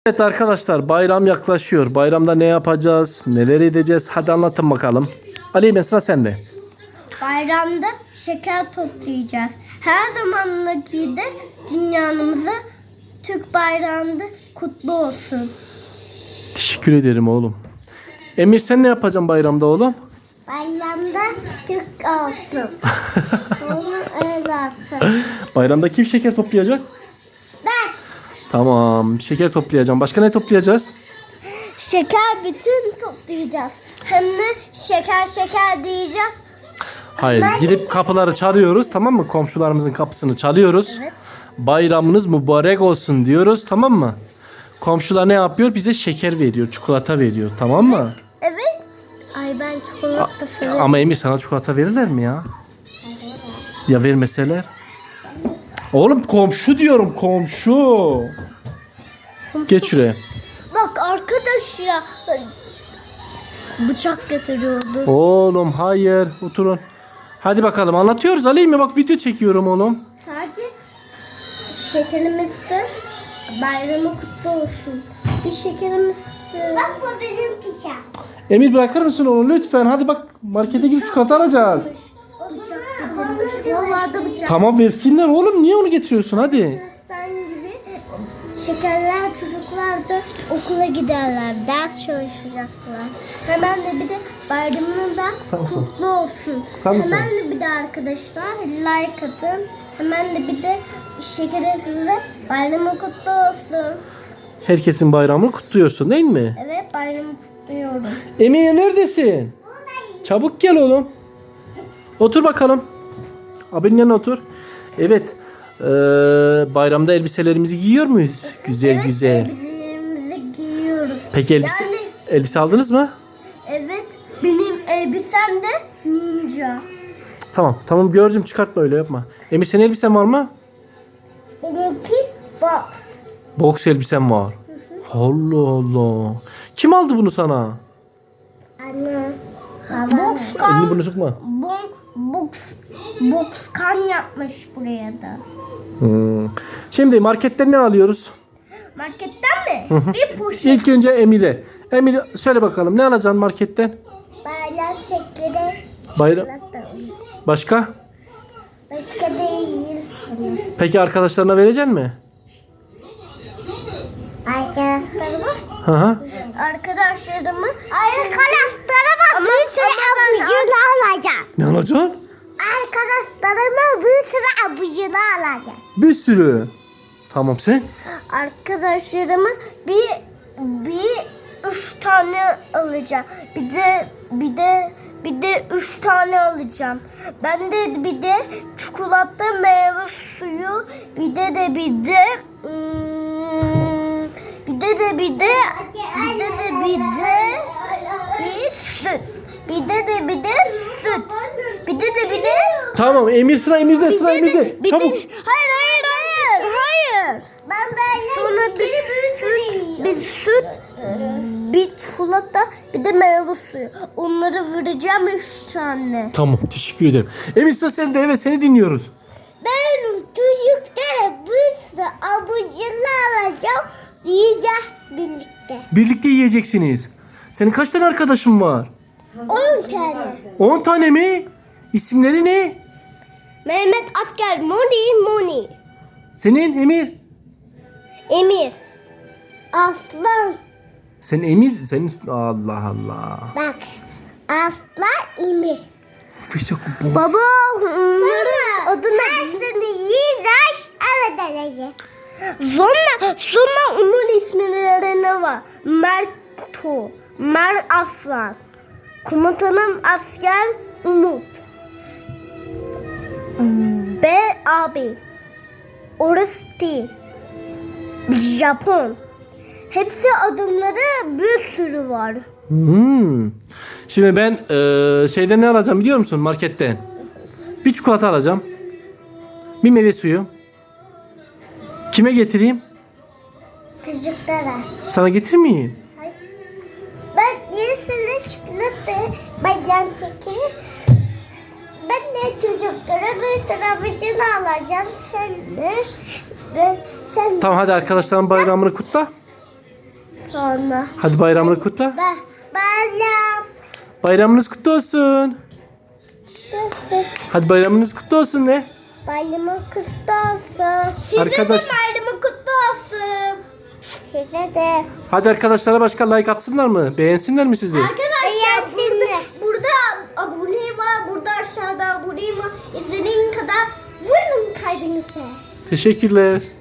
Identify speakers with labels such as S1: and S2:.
S1: Evet arkadaşlar, bayram yaklaşıyor. Bayramda ne yapacağız? Neler edeceğiz? Hadi anlatın bakalım. Ali, mesela sende.
S2: Bayramda şeker toplayacağız. Her zamanki de dünyanımıza Türk bayrağında kutlu olsun.
S1: Teşekkür ederim oğlum. Emir, sen ne yapacaksın bayramda oğlum?
S2: Bayramda Türk olsun. Sonra öyle olsun.
S1: Bayramda kim şeker toplayacak?
S2: Ben
S1: Tamam, şeker toplayacağım. Başka ne toplayacağız?
S2: şeker bütün toplayacağız. Hem de şeker diyeceğiz.
S1: Hayır, gidip kapıları çalıyoruz, tamam mı? Komşularımızın kapısını çalıyoruz.
S2: Evet.
S1: Bayramınız mübarek olsun diyoruz, tamam mı? Komşular ne yapıyor? Bize şeker veriyor, çikolata veriyor, tamam mı?
S2: Evet. Ay ben çikolata severim.
S1: Ama Emir, sana çikolata verirler mi ya? Ya vermeseler? Oğlum komşu diyorum, komşu. Geç şuraya.
S2: Bak arkadaş ya. Bıçak getiriyordu.
S1: Oğlum hayır, oturun. Hadi bakalım, anlatıyoruz Ali mi? Bak video çekiyorum oğlum.
S2: Sadece şekerimizde bayramı kutlu olsun. Bir şekerimizde. Bak bu benim pişem.
S1: Emir, bırakır mısın onu lütfen? Hadi bak, markete gidip çikolata alacağız.
S2: Bıçak getirmiş. Vallahi da bıçak.
S1: Tamam, versinler oğlum, niye onu getiriyorsun? Hadi.
S2: Ben gibi şekerler çocuklar da okula giderler. Ders çalışacaklar. Hemen de bir de bayramını da
S1: Sen misin?
S2: kutlu olsun.
S1: Sen misin?
S2: Hemen de bir de arkadaşlar like atın. Hemen de bir de şekerinize bayramı kutlu olsun.
S1: Herkesin bayramını kutluyorsun değil mi?
S2: Evet bayramı kutluyorum.
S1: Emir, neredesin? Çabuk gel oğlum. Otur bakalım. Abinin yanına otur. Evet. Bayramda elbiselerimizi giyiyor muyuz? Güzel
S2: Evet,
S1: güzel.
S2: elbiselerimizi giyiyoruz.
S1: Peki
S2: Yani
S1: elbise aldınız mı?
S2: evet benim elbisem de ninja.
S1: Tamam gördüm, çıkartma, öyle yapma. Emir, senin elbisen var mı?
S2: Benimki box.
S1: Boks elbisen var. Allah Allah. Kim aldı bunu sana?
S2: Anne.
S1: Elini
S2: Boxkan,
S1: bunu sokma.
S2: boxkan yapmış buraya da.
S1: Şimdi marketten ne alıyoruz?
S2: Marketten mi? Bir poşet.
S1: İlk önce Emir'e. Emir, söyle bakalım, ne alacaksın marketten?
S2: Bayram şekeri.
S1: Bayram.
S2: Çikolata.
S1: Başka?
S2: Başka değil.
S1: Peki arkadaşlarına vereceksin mi?
S2: Arkadaşlarıma.
S1: Hı hı.
S2: Arkadaşlarıma bir sürü abucunu alacağım.
S1: Ne alacaksın?
S2: Arkadaşlarıma bir sürü abucunu alacağım.
S1: Bir sürü. Tamam, sen?
S2: Arkadaşlarıma bir 3 tane alacağım. Bir de 3 tane alacağım. Ben de bir de çikolata, meyve suyu, bir de bir süt. Bir de
S1: Tamam, Emir, sıra Emir'de, sıra Emir'de. Çabuk.
S2: Hayır. Ben böyle bir süt, bir çikolata, bir de meyve suyu. Onları vereceğim 3 tane.
S1: Tamam, teşekkür ederim. Emir, sıra sende, evet, seni dinliyoruz.
S2: Ben çocuklara bir sürü abucunu alacağım. Yiyeceğiz birlikte.
S1: Birlikte yiyeceksiniz. Senin kaç tane arkadaşın var?
S2: 10 tane.
S1: 10 tane mi? İsimleri ne?
S2: Mehmet Asker, Moni.
S1: Senin Emir.
S2: Emir. Aslan.
S1: Sen Emir, senin Allah Allah.
S2: Bak. Aslan Emir.
S1: Baba.
S2: Baba onların adına hepsini yiyeceğiz. Evet edeceğiz. Sonra onun isimleri ne var? Merto. Mer Aslan. Komutanım asker Umut. B abi. Oresti. Japon. Hepsi adımları bir sürü var.
S1: Şimdi ben şeyden ne alacağım biliyor musun, marketten? Bir çikolata alacağım. Bir meyve suyu. Kime getireyim?
S2: Çocuklara.
S1: Sana getirmeyeyim.
S2: Ben yenisini çikolata bayram şekeri. Ben de çocuklara bir sıra vıcını alacağım. Sen de. Sen
S1: Tamam, hadi arkadaşların bayramını kutla.
S2: Sonra.
S1: Hadi bayramını kutla.
S2: Bayram.
S1: Bayramınız kutlu olsun. Hadi bayramınız kutlu olsun de.
S2: Bayramı kutlu olsun. Size
S1: Arkadaş-
S2: de bayramı kutlu olsun. Size de.
S1: Hadi arkadaşlara başka like atsınlar mı? Beğensinler mi sizi?
S2: Arkadaşlar burada abone var. Burada aşağıda abone var. İstediğin kadar vurun kalbinize.
S1: Teşekkürler.